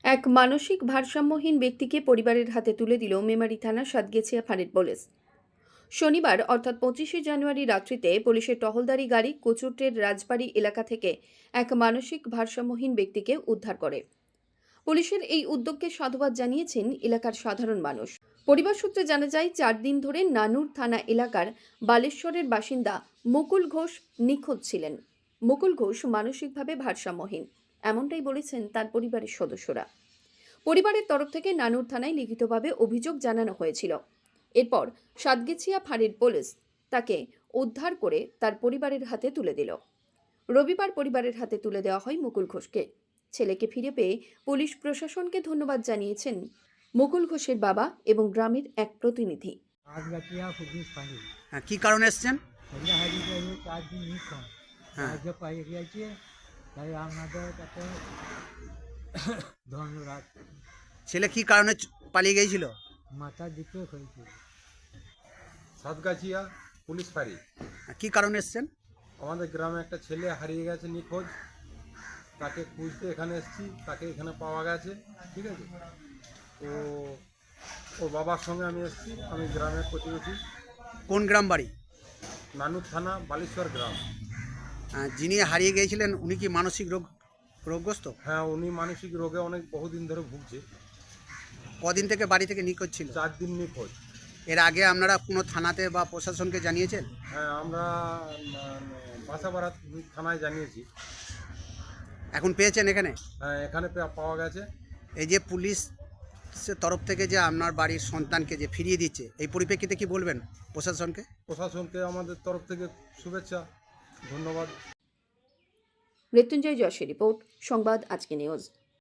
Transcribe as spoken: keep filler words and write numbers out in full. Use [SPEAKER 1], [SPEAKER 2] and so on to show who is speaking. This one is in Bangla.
[SPEAKER 1] এক মানসিক ভারসাম্যহীন ব্যক্তিকে পরিবারের হাতে তুলে দিল মেমারি থানার সাতগেছিয়া ফাঁড়ির পুলিশ। শনিবার অর্থাৎ পঁচিশে জানুয়ারি রাত্রিতে পুলিশের টহলদারি গাড়ি কচুরটের রাজবাড়ি এলাকা থেকে এক মানসিক ভারসাম্যহীন ব্যক্তিকে উদ্ধার করে। পুলিশের এই উদ্যোগকে সাধুবাদ জানিয়েছেন এলাকার সাধারণ মানুষ। পরিবার সূত্রে জানা যায়, চার দিন ধরে নানুর থানা এলাকার বালেশ্বরের বাসিন্দা মুকুল ঘোষ নিখোঁজ ছিলেন। মুকুল ঘোষ মানসিকভাবে ভারসাম্যহীন, এমনটাই বলেছেন তার পরিবারের সদস্যরা। পরিবারের তরফ থেকে নানুর থানায় লিখিতভাবে অভিযোগ জানানো হয়েছিল। এরপর সাতগেছিয়া ফাঁড়ির পুলিশ তাকে উদ্ধার করে তার পরিবারের হাতে তুলে দিল। রবিবার পরিবারের হাতে তুলে দেওয়া হয় মুকুল ঘোষকে। ছেলেকে ফিরে পেয়ে পুলিশ প্রশাসনকে ধন্যবাদ জানিয়েছেন মুকুল ঘোষের বাবা এবং গ্রামের এক প্রতিনিধি।
[SPEAKER 2] হ্যাঁ, কি কারণে এসছেন?
[SPEAKER 3] চার দিন নিখোঁজ
[SPEAKER 2] হ্যাঁ।
[SPEAKER 3] সাহায্য পাই গিয়েছে, তাই আপনাদের কাছে ধন্যবাদ।
[SPEAKER 2] ছেলে কি কারণে চ- পালিয়ে গিয়েছিল?
[SPEAKER 3] মাথা দিতে হয়েছে।
[SPEAKER 4] সাতগাছিয়া পুলিশ ফাঁড়ি।
[SPEAKER 2] হ্যাঁ, কি কারণে এসছেন?
[SPEAKER 4] আমাদের গ্রামে একটা ছেলে হারিয়ে গেছে নিখোঁজ, তাকে খুঁজতে এখানে এসেছি, তাকে এখানে পাওয়া গেছে। ঠিক আছে, তো ওর বাবার সঙ্গে আমি এসেছি, আমি গ্রামের প্রতিবেশী।
[SPEAKER 2] কোন গ্রাম বাড়ি?
[SPEAKER 4] নানুর থানা বালেশ্বর গ্রাম।
[SPEAKER 2] আহ, যিনি হারিয়ে গিয়েছিলেন উনি কি মানসিক রোগ রোগগ্রস্ত?
[SPEAKER 4] হ্যাঁ, উনি মানসিক রোগে অনেক বহুদিন ধরে ভুগছে।
[SPEAKER 2] কদিন থেকে বাড়ি থেকে নিখোঁজ ছিল?
[SPEAKER 4] চার দিন নিখোঁজ।
[SPEAKER 2] এর আগে আপনারা কোনো থানাতে বা প্রশাসনকে জানিয়েছেন?
[SPEAKER 4] হ্যাঁ, আমরা বাসাবাড়া থানায় জানিয়েছি।
[SPEAKER 2] এখন পেয়েছেন এখানে?
[SPEAKER 4] হ্যাঁ, এখানে পে- পাওয়া গেছে।
[SPEAKER 2] এই যে পুলিশের তরফ থেকে যে আপনার বাড়ির সন্তানকে যে ফিরিয়ে দিচ্ছে, এই পরিপ্রেক্ষিতে কি বলবেন প্রশাসনকে?
[SPEAKER 4] প্রশাসনকে আমাদের তরফ থেকে শুভেচ্ছা, ধন্যবাদ।
[SPEAKER 1] মৃত্যুঞ্জয় যশের রিপোর্ট, সংবাদ আজকে নিউজ।